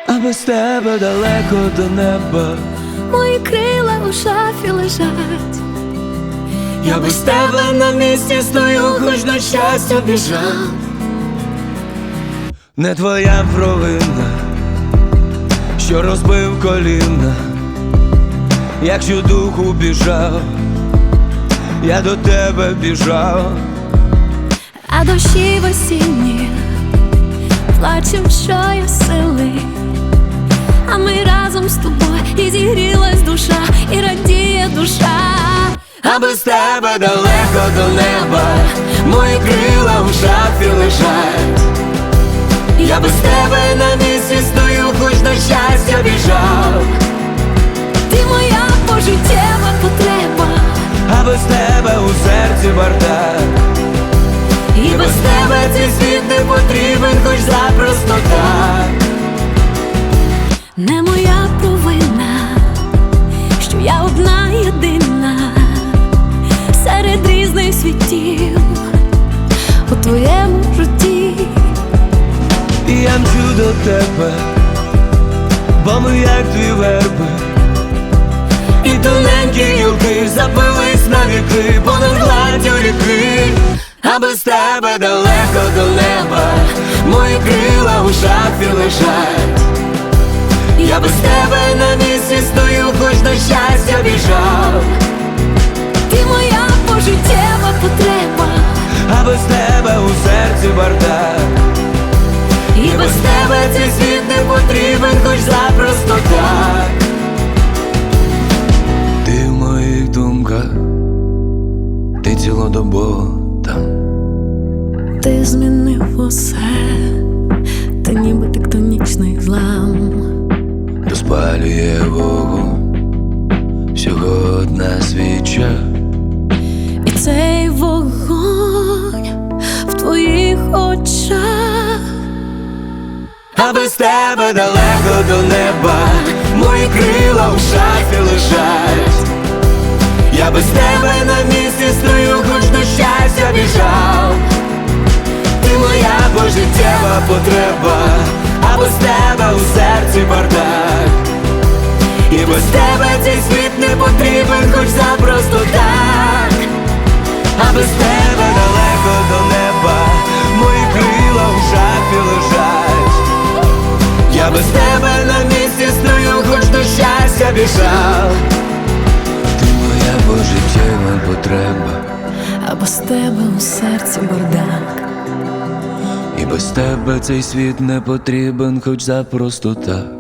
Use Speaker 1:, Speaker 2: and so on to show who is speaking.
Speaker 1: а без тебе далеко до неба.
Speaker 2: Мої крила у шафі лежать.
Speaker 1: Я без тебе на місці стою, хоч на щастя біжав. Не твоя провина, що розбив коліна. Якщо духу біжав, я до тебе біжав.
Speaker 2: А дощі в осінні плачем, що я сили. А ми разом з тобою, і зігрілась душа, і радіє душа.
Speaker 1: А без тебе далеко до неба, мої крила в шафі лежать. Я без тебе на місці стою, хоч на щастя біжав.
Speaker 2: Ти моя пожиттєва потреба,
Speaker 1: А без тебе у серці бардак. І без тебе цей світ не потрібен, хоч запросто так.
Speaker 2: не моя провина, що я одна єдина серед різних світів у твоєму житті.
Speaker 1: І я мчу до тебе, бо ми як дві верби. І тоненькі гілки запились на віки понад гладдю ріки. А без тебе далеко до неба, мої крила у шафі лежать. Я без тебе на місці стою, хоч на щастя біжав.
Speaker 2: Ти моя пожиттєва потреба,
Speaker 1: А без тебе у серці бардак. І без тебе цей світ не потрібен, хоч запросто так. Ти в моїх думках, ти цілодобово там.
Speaker 2: ти змінив усе, ти ніби тектонічний злам.
Speaker 1: Розпалює вогонь всього одна свіча.
Speaker 2: І цей вогонь в твоїх очах.
Speaker 1: А без тебе далеко до неба, мої крила в шафі лежать. Я без тебе на місці стою, хоч до щастя біжав. Ти моя пожиттєва потреба, а без тебе у серці бардак. І без тебе цей світ не потрібен, хоч запросто так. А без тебе далеко до неба, мої крила в шафі лежать. Я без тебе на місці стою, хоч до щастя біжав. Ти моя пожиттєва потреба,
Speaker 2: А без тебе у серці бардак.
Speaker 1: і без тебе цей світ не потрібен, хоч запросто так.